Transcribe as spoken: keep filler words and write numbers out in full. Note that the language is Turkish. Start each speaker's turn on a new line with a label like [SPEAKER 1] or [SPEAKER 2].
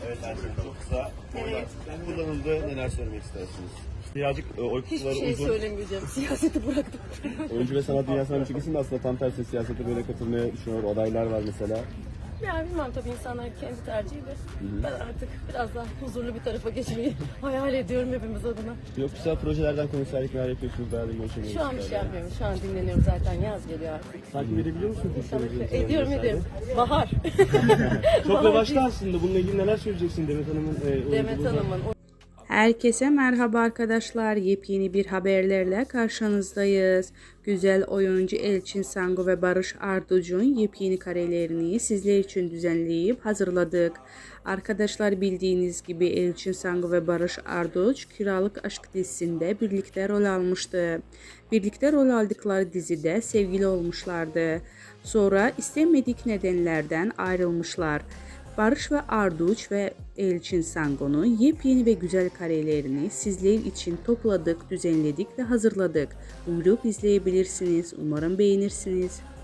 [SPEAKER 1] Evet Ersin, çok kısa.
[SPEAKER 2] Evet.
[SPEAKER 1] Kullanıldı. Neler söylemek istersiniz? Birazcık e, oy
[SPEAKER 2] Hiçbir
[SPEAKER 1] kutuları
[SPEAKER 2] şey
[SPEAKER 1] uzun.
[SPEAKER 2] söylemeyeceğim. Siyaseti bıraktım.
[SPEAKER 1] Oyuncu ve sanat dünyasından birçok isim de aslında tam tersi siyasete böyle katılmaya düşünüyor. Adaylar var mesela.
[SPEAKER 2] Yani bilmem tabii insanlar kendi tercihi de. Ben artık biraz daha huzurlu bir tarafa geçmeyi hayal ediyorum hepimiz adına.
[SPEAKER 1] Yoksa projelerden konserlik neler yapıyorsunuz? Beraber görüşmeyi
[SPEAKER 2] Şu an bir şey yapmıyorum. Şu an dinleniyorum zaten. Yaz geliyor artık.
[SPEAKER 3] Takip edebiliyor musun?
[SPEAKER 2] İnşallah ediyorum ediyorum. Bahar.
[SPEAKER 3] Çok
[SPEAKER 2] Bahar
[SPEAKER 3] revaçta
[SPEAKER 2] değil.
[SPEAKER 3] aslında. Bununla ilgili neler söyleyeceksin Demet Hanım'ın e,
[SPEAKER 2] Demet
[SPEAKER 3] oyunculuğuna?
[SPEAKER 2] Hanım'ın o-
[SPEAKER 4] Herkese merhaba arkadaşlar. Yepyeni bir haberlerle karşınızdayız. Güzel oyuncu Elçin Sangu ve Barış Arduç'un yepyeni karelerini sizler için düzenleyip hazırladık. Arkadaşlar bildiğiniz gibi Elçin Sangu ve Barış Arduç Kiralık Aşk dizisinde birlikte rol almıştı. Birlikte rol aldıkları dizide sevgili olmuşlardı. Sonra istemedik nedenlerden ayrılmışlar. Barış ve Arduç ve Elçin Sangu'nun yepyeni ve güzel karelerini sizler için topladık, düzenledik ve hazırladık. Buyurup izleyebilirsiniz. Umarım beğenirsiniz.